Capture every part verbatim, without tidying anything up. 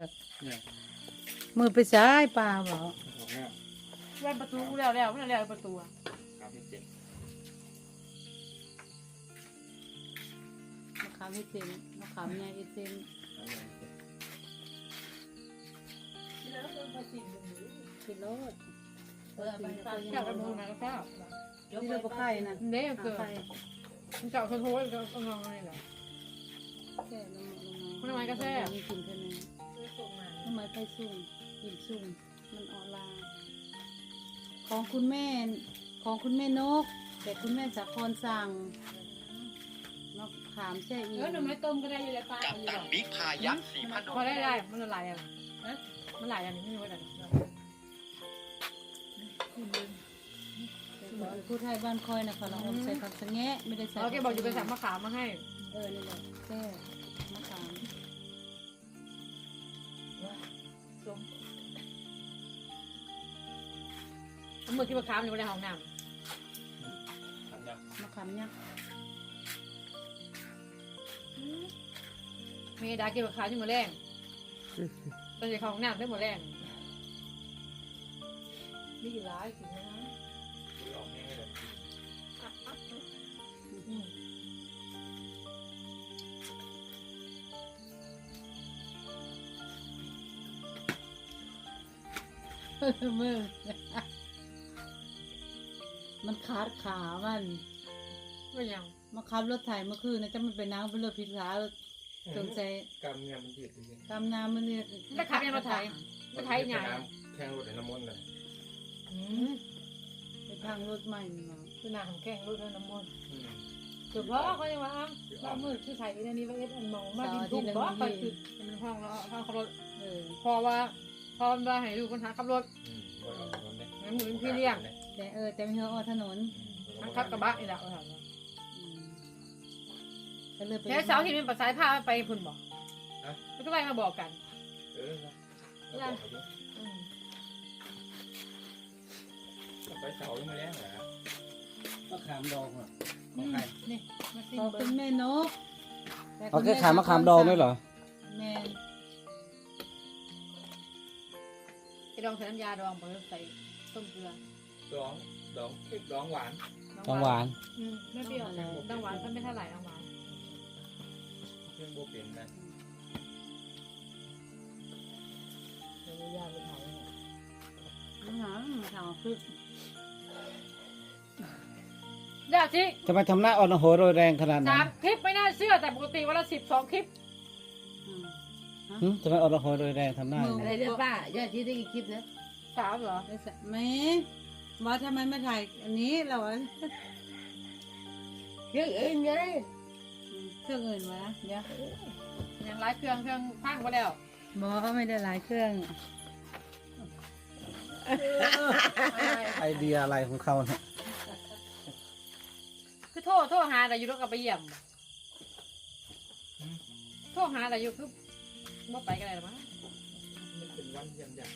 มือไปซ้ายปลาบ่แว่นประตูแล้วแล้วไม่แล้วประตูอ่ะมะขามให้เต็มมะขามใหญ่ให้เต็มกิโลดเออไปไปแค่กระมูนะก็ทราบนี่เราปลาไข่นะเนี่ยเกิดมันเจาะโถยก็งงอะไรแหละแค่ลงลงมันทำไมก็แซ่บมีกินแค่นี้ทำไมไปสุ่มกินสุ่มมันออนไลน์ของคุณแม่ของคุณแม่นกแต่คุณแม่สาครสั่งมะขามแช่อีเออหนูไม่ต้มก็ได้อยู่แล้วป้ากับตันบิ๊กพายักษ์สีพนมพอได้ได้มันละลายอ่ะมันหลายอย่างนี้ไม่รู้อะไรพูดไทยบ้านคอยนะเขาเราอมใส่ผักสะแงะไม่ได้ใส่เราแกบอกอยู่ไปสั่งมะขามมาให้เออนี่แหละแช่มะขามเมื่อกี้มะขามอยู่ในห้องน้ำมะขามยักษ์มีดากินมะขามที่มือแรงตอนเด็กของน้ำได้หมดแรงมีกี่ร้ายสินะมือมันขาดขามันไม่ยังมาขับรถไถเมื่อคืนนะจะมันไปน้ำเป็นรถพิษขาสงสัยกำเนี่ยมันยืดจริงกำน้ำมันเนี่ยจะขับยังรถไถรถไถใหญ่แข่งรถในน้ำมันเลยไปทางรถใหม่มาคือหน้าของแข้งรถน้ำมันเฉพาะเขาจะว่าบ้ามืดคือไถอันนี้ว่าเอ็ดอันมองมาดินทุ่งบ่ไปคือมันห้องแล้วห้องขับรถเออพอว่าพอมาให้ดูคนหาขับรถงั้นหมุนพี่เลี้ยงแต่เออแต่ไม่เฮาออถนนทั้งขับกระบะนี่แหละก็เลยไปแค่เสาที่มันปัสสายผ้าไปพุ่นบอกแล้วก็ไปมาบอกกันเออไปเสายังมาแล้วเหรอมะขามดองอ่ะของใครนี่มาซิมขอบเบิ้คุณงแม่นกเอาแค่ขายมะขามดองด้วยเหรอแม่ไอ้ดองใส่น้ำยาดองไปใส่ต้มเกลือดองดองเค็มดองหวานดองหวานอืมไม่เปรี้ยวดองหวานก็ไม่เท่าไหร่ดองหวานเครื่องโบเป็นนะเดี๋ยวยาไปเผาน้ำหนังทางพึกยาจิทำไมทำหน้าอ่อนโหยโรยแรงขนาดนั้สาน มคลิปไม่น่าเชื่อแต่ปกติวันละสิบสองคลิปหึทำไมอ่อนโหยโรยแรงทำหน้าอย่างอะไรนี้เรื่องป้ายอดที่ได้กี่คลิปนะสามเหรอแม่ว่าทำไมไม่ถ่ายอันนี้เราเรื่องอื่นไงเครื่องอื่นวะเดี๋ยวอย่างไรเครื่องเครื่องพังไปแล้วบอกไม่ได้หลายเครื่องไอเดียอะไรของเขาเนี่ยคือโทษโทษหาแต่อยู่แล้วก็ไปเยี่ยมโทษหาแต่อยู่คือว่าไปกันเลยหรอมั้งมันเป็นวันยำย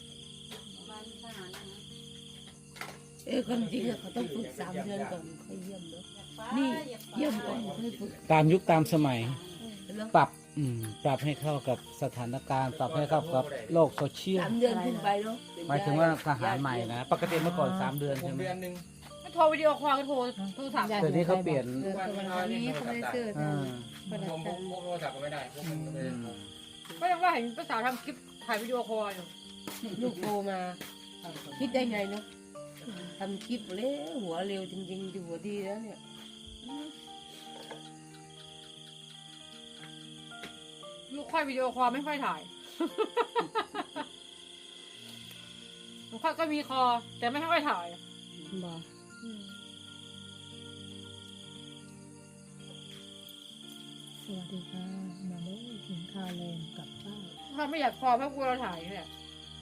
เออความจริงอะเขาต้องฝึกสามเดือนก่อนค่อยเยี่ยมเนาะนี่เยี่ยมก่อนค่อยฝึกตามยุคตามสมัยแล้วปรับอืมปรับให้เข้ากับสถานการณ์ ปรับให้เข้ากับโลกโซเชียลสามเดือนขึ้นไปเนาะหมายถึงว่าทหารใหม่นะ ปกติเมื่อก่อนสามเดือนำหใช่กไหมเดือนหนึ่งโทรวิดีโอคอลก็โทรโทรศัพท์เดี๋ยวนี้เขาเปลี่ยนเออวันนี้เขาไม่ได้ซื้ออ่าผมผมผมโทรศัพท์ก็ไม่ได้พวกมันก็ไม่ได้ก็ยังว่าเห็นภาษาวทำคลิปถ่ายวิดีโอคอลอยู่ลูกโตมาคิดได้ไงเนาะทำคลิปเร็วหัวเร็วจริงๆดูหัวดีแล้วเนี่ยลูกค่อยวิดีโอคอลไม่ค่อยถ่ายลูกค่อยก็มีคอแต่ไม่ค่อยถ่ายบอกสวัสดีค่ะมาเลยกินข้าวแรงกับข้าวถ้าไม่อยากคอเพราะกลัวเราถ่ายนี่แหละ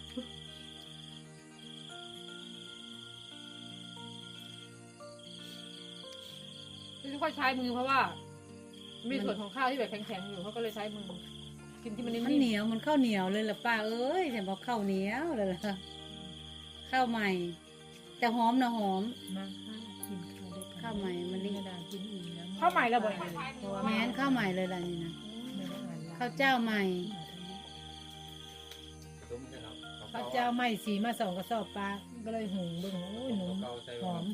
ที่ค่อยใช้มือเพราะว่า มีส่วนของข้าวที่แบบแข็งๆอยู่เขาก็เลยใช้มือกินที่มันนิ่มันเหมนียวมันข้าวเหนียวเลยล่ะป้าเอ้ยแต่บอกข้าวเหนียวเลยล่ะข้าวใหม่ แต่หอมนะหอมมาค่ะกินข้าวด้วยกันข้าวใหม่มันนี่กระดาษกินอิ่มแล้วๆข้าวใหม่ระเบิดเพราะว่าแม้นข้าวใหม่เลยล่ะนี่นะไม่ได้อ่านไลน์ข้าวเจ้าใหม่เขาเจ้าไม่สีมาสองกระสอบปลาก็เลยหุงเบิ่งโอ้ยหนุ่มเกาใส่หอม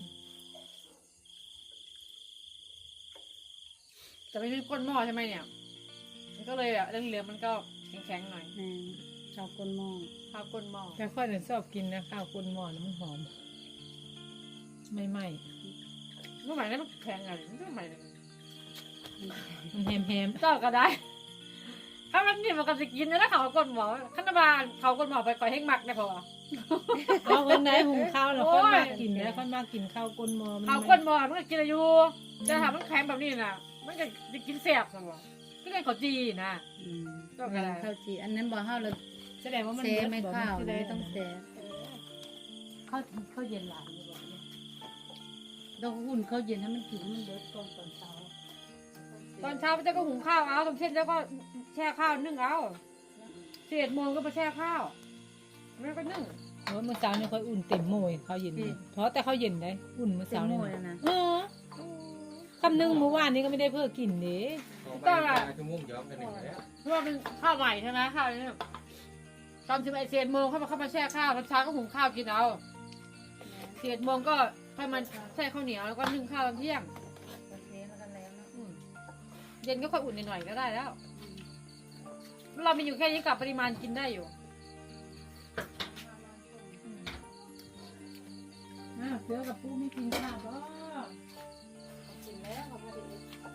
แต่ไม่มีก้นหม้อใช่ไหมเนี่ยมันก็เลยแบบเรื่องเหลืองๆมันก็แข็งๆหน่อยแม่ชาวก้นหม้อข้าวก้นหม้อแต่ค่อยเนี่ยชอบกินนะข้าวก้นหม้อนะมันหอม ไม่ไหม้เมื่อไหร่ได้มันแข็งอะไรเมื่อไหร่มันแฮมแฮมก็ก็ได้ถ้ามันนี่มันก็จะกินแล้วเขาก้นหม้อขันบาลเขาก้นหม้อไปก่อยให้หมักได้พอๆเอาคนไหนหุงข้าวแล้วค่อยมากินแล้วค่อยมากินข้าวก้นหม้อมันเขาก้นหม้อมันก็กินอายุจะทำมันแข็งแบบนี้น่ะมันก็จะกินแสบนะวะก็เลยเขาจีนะอืมก็กระไรข้าวจีอันนั้นบ่เฮาเลยแสดงว่ามันเซเบิดไม่บ่ข้าวมันเลสิยได้ต้องเซข้าวข้าวเย็นหลานนี่บอกเนี่ยต้องหุ่นข้าวเย็นให้มันกินให้มันเบิดก่อนตอนเช้าตอนเช้าพระเจ้าก็หุงข้าวเอาตอนเช้าแล้วก็แช่ข้าวนึ่งเอาเจ็ดโมงก็มาแช่ข้าวแล้วก็นึ่งเออเมื่อเช้านี่ค่อยอุ่นเต็มโมยข้าวเย็นอืมเพราะแต่ข้าวเย็นได้อุ่นเมื่อเต็มเช้าโมนี่ยแล้วนะเออคำนึงเมื่อวานนี้ก็ไม่ได้เพิ่มกินเด้ต้องอะชั่วโมงย้อมกันหนึ่งแล้วเพราะว่าเป็นข้าวใหม่ใช่ไหมข้าวนี่ตอนสิบเอ็ดเจ็ดโมงเข้ามาเข้ามาแช่ข้าวตอนเช้าก็หุงข้าวกินเอาเจ็ดโมงก็ค่อยมาแช่ข้าวเหนียวแล้วก็นึ่งข้าวตอนเที่ยงเซมากันแล้วเนาะอืมเย็นก็ค่อยอุ่นหน่อยๆก็ได้แล้ว เรามีอยู่แค่นี้กับปริมาณกินได้อยู่อ้าวเสือกับปูไม่กินข้าวบ่กินแล้วเขาพอดี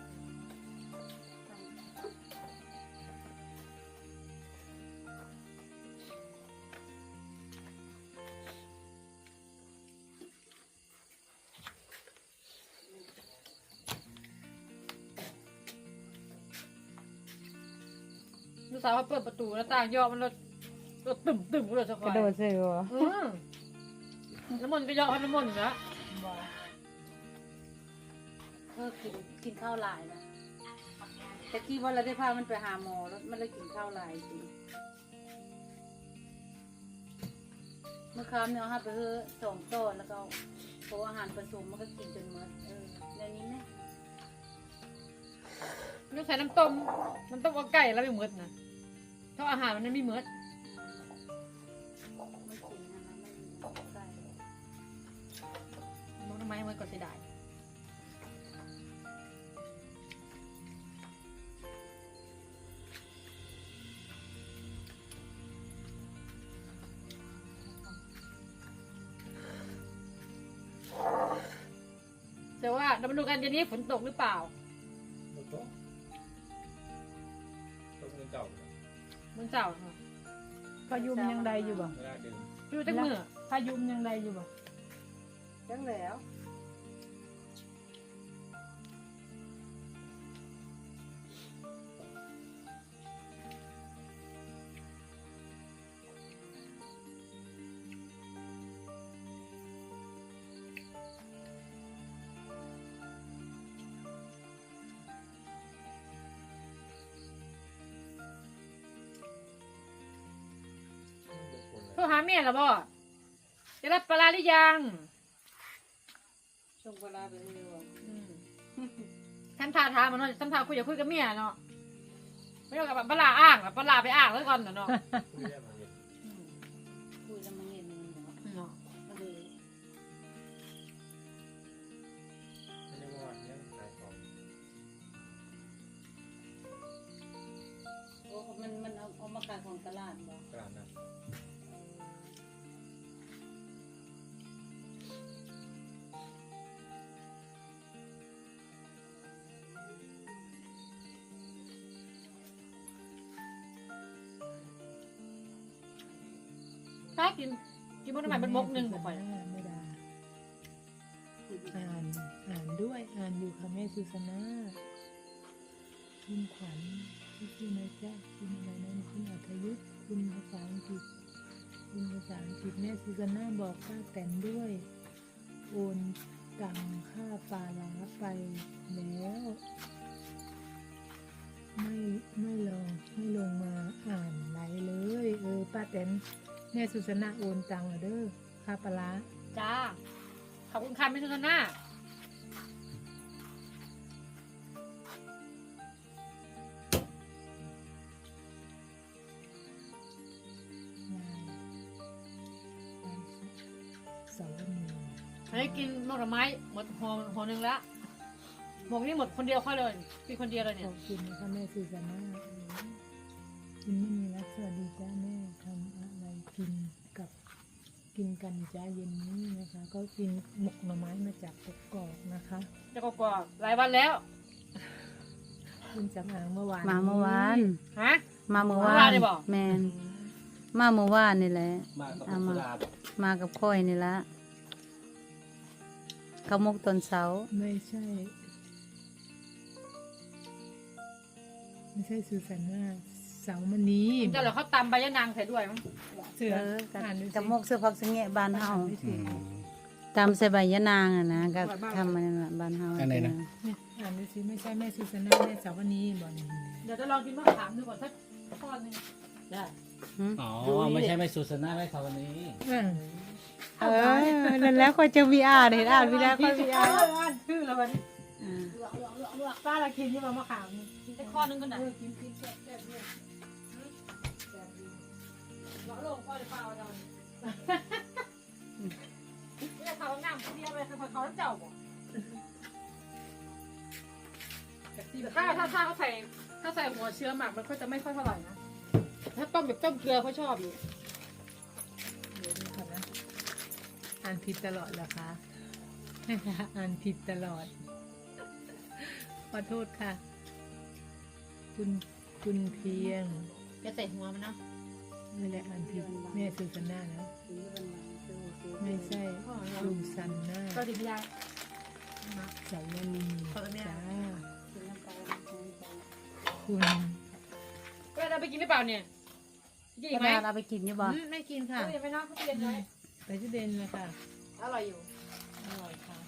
ลูกสาวเขาเปิดประตูแล้วต่างย่อมันรถรถตึ่มตึ่มเลยสักกระโดดใส่หัวอืมน้ำมันต์ก็ย่อให้น้ำมันต์นะเออกินกินข้าวหลายนะแต่กี้ว่าเราได้พามันไปหาหมอแล้วมันเลยกินข้าวหลายจริงเมื่อคราวเนี่ยเอาไปเฮอสองต้นแล้วก็โปอาหารผสมมันก็กินจนหมดเออในนี้ไหมต้องใส่น้ำต้มน้ำต้มเอาไก่แล้วไม่เหมือนนะเพราะอาหารมันไม่เหมือนไม่กินนะคะไม่มีน้ำใส่มันทำไมเหมือนก็เสียดายแต่ว่าเรามาดูกันเดี๋ยวนี้ฝนตกหรือเปล่าต้องต้องเงินเก่ามึงเจ้าเนาะพายุมนยังใดอยู่บ่เวลาเดินดูจังมือพายุมนยังใดอยู่บ่จังแล้วโทรหาแม่เหรอบ่จะรับปลาร้าหรือยังชงปลาไปเรื่อยอืมท่านทาทามันเนาะท่านทาคุยอย่าคุยกับเมียเนาะไม่ต้องกับปลาร้าอ้างแบบปลาร้าไปอ้างแล้วก่อนเนาะคุยได้มาเย็นอืมคุยแล้วมันเย็นเนาะเนาะก็เลยไม่ได้ว่าเนี่ยขายของโอ้มันมันเอาเอามาขายของตลาดบ่ตลาดนัดถ้ากินกินมันทำไมเป็นมกหนึ่งบอกไปไม่ได้อ่านอ่านด้วยอ่านอยู่ค่ะแม่สุสนาคุณขวัญที่ชื่อนะจ๊ะคุณอะไรนั้นคุณอัธยุทธคุณภาษาอังกฤษคุณภาษาอังกฤษแม่สุสนาบอกป้าแตนด้วย โอนตังค่าปลาร้าไปแล้ว ไม่ไม่ลองไม่ลงมาอ่านไหลเลย เออป้าแตนแม่สุสนาโอนตังค์เด้อค่าปลาร้าจ้าขอบคุณค่ะไม่ทุกท่านหน้านายอันนี้กินหมกหน่อไม้หมดห่อห่อหนึ่งแล้วหมกนี่หมดคนเดียวค่อยเลยกินคนเดียวเลยขเนี่ยอบคุณนะคะแม่สุสานาคุณไม่มีรักสวัสดีจ้าแม่ทำอะไรกินกับกินกันจ้าเย็นนี้นะคะ ก็กินหมกหน่อไม้มาจากกกอกนะคะจะก็กว่าหลายวันแล้วคุณสำอางเมื่อวานมาเมื่อวานฮะมาเมื่อเมื่วาอวานนได้บอกแมนมาเมื่อวานนี่แหละมากับเอาสุมาดาบอกมากับค่อยนี่ละเขาวมกตอนเสาร์ไม่ใช่ ไม่ใช่สุสานาเสามณีเจ้าเหลือเขาตำใบยะนางใส่ด้วยมั้งเสือเออกับอ่านดูสิกับมกเสื้อผักสะแงะบ้านเฮาไม่อืถูกมตามใส่ใบยะนางอ่ะนะก็ทำมันนั่นล่ะบ้านเฮาอันไหนนะเนี่ยอ่านดูสิไม่ใช่แม่สุสานาแม่เสาวณีบอกนี่เดี๋ยวจะลองกินมะขามดูก่อนสักทอดหนึงได้หืมอ๋อไม่ใช่ไม่สุสนาไม่สาวนี้อ่าเออนั่นแล้วก็จะมีอ่านเห็นอ่านไม่ได้ก็มีอ่านอ่านชื่อแล้วมันอ่าป้าละกินยี่มามะขามนี่กินได้ข้อนึงก็ได้กินกินแซ่บแซ่บเลยเราลงข้อหรือเปล่าเราเนี่ยเขาน้ำเดียวไปเขาเขาเจ้าบอกถ้าถ้าถ้าเขาใส่ถ้าใส่หัวเชื้อหมักมันก็จะไม่ค่อยเท่าไหร่นะถ้าต้มแบบต้มเกลือเขาชอบอยู่เดี๋ยวดูก่อนนะอ่านผิดตลอดเหรอคะ อ่านผิดตลอด ขอโทษค่ะ คุณคุณเพียงจะใส่หัวมันนะไม่ได้อ่านผิดแม่สุสานานะไม่ใช่สุสันนาก็ดีไม่ได้สาวนีขอโทษแม่จ้าคุณก็เราไปกินหรือเปล่าเนี่ยกินอีกกไหมระดาษเอาไปกินอยู่บ่อืมไม่กินค่ะเออยังไม่นอกเขาเรียนไว้ไปที่เดนเลยค่ะอร่อยอยู่อร่อยค่ะ